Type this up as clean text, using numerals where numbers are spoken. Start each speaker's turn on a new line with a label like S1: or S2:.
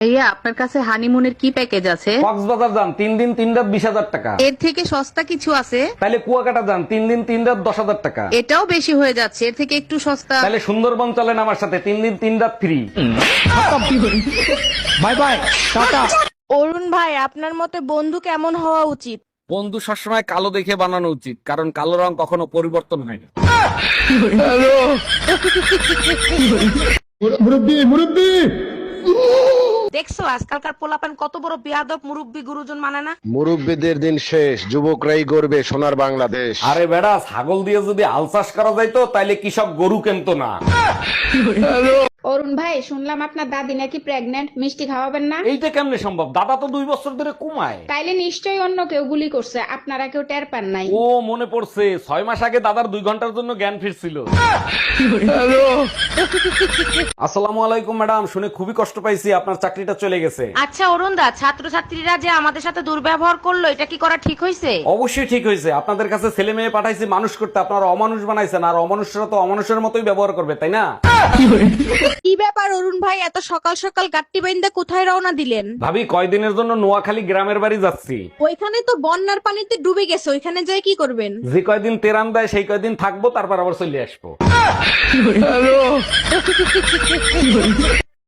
S1: ভাইয়া আপনার কাছে হানিমুনের কি প্যাকেজ আছে?
S2: কক্সবাজার যান 3 দিন 3 রাত 20,000 টাকা।
S1: এর থেকে সস্তা কিছু আছে?
S2: তাহলে কুয়াকাটা যান 3 দিন 3 রাত 10,000 টাকা।
S1: এটাও বেশি হয়ে যাচ্ছে, এর থেকে একটু সস্তা।
S2: তাহলে সুন্দরবন চলেন আমার সাথে 3 দিন 3 রাত free.
S3: Bye bye, tata.
S4: Arun ভাই, আপনার মতে বন্ধু কেমন হওয়া উচিত?
S2: বন্ধু সবসময় কালো দেখে বানানো উচিত, কারণ কালো রং কখনো পরিবর্তন হয় না।
S3: মুরব্বি মুরব্বি,
S4: দেখছো আজকালকার পোলাপান কত বড় বেয়াদব, মুরব্বি গুরুজন মানে না।
S5: মুরব্বীদের দিন শেষ, যুবকরাই গড়বে সোনার বাংলাদেশ।
S2: আরে বেড়া, ছাগল দিয়ে যদি হাল চাষ করা যাইতো তাইলে কি সব গরু কেনতো না?
S6: অরুণ ভাই, শুনলাম আপনার দাদি নাকি প্রেগনেন্ট, মিষ্টি খাওয়াবেন না?
S2: এইটা কেমনে সম্ভব? দাদা তো 2 বছর ধরে কমায়।
S6: তাইলে নিশ্চয়ই অন্য কেউ গুলি করছে, আপনারা কেউ টের পান নাই।
S2: ও মনে পড়ছে, 6 মাস আগে দাদার 2 ঘন্টার জন্য জ্ঞান ফিরছিল। আসসালামু আলাইকুম ম্যাডাম, শুনে খুবই কষ্ট পাইছি, আপনার চাকরিটা চলে গেছে।
S4: আচ্ছা অরুণ দা, ছাত্রছাত্রীরা যে আমাদের সাথে দুর্ব্যবহার করলো, এটা কি করা ঠিক হয়েছে?
S2: অবশ্যই ঠিক হয়েছে। আপনাদের কাছে ছেলে মেয়ে পাঠাইছি মানুষ করতে, আপনারা অমানুষ বানাইছেন, আর অমানুষরা তো অমানুষের মতোই ব্যবহার করবে, তাই না?
S4: কি ব্যাপার অরুণ ভাই, এত সকাল সকাল গাট্টি বাইন্দা কোথায় রওনা দিলেন?
S2: ভাবি, কয়দিনের জন্য নোয়াখালী গ্রামের বাড়ি যাচ্ছি।
S4: ওইখানে তো বন্যার পানিতে ডুবে গেছে, ওইখানে যাই কি করবেন?
S2: যে কয়দিন তেরান দেয় সেই কয়দিন থাকবো, তারপর আবার চলে আসবো।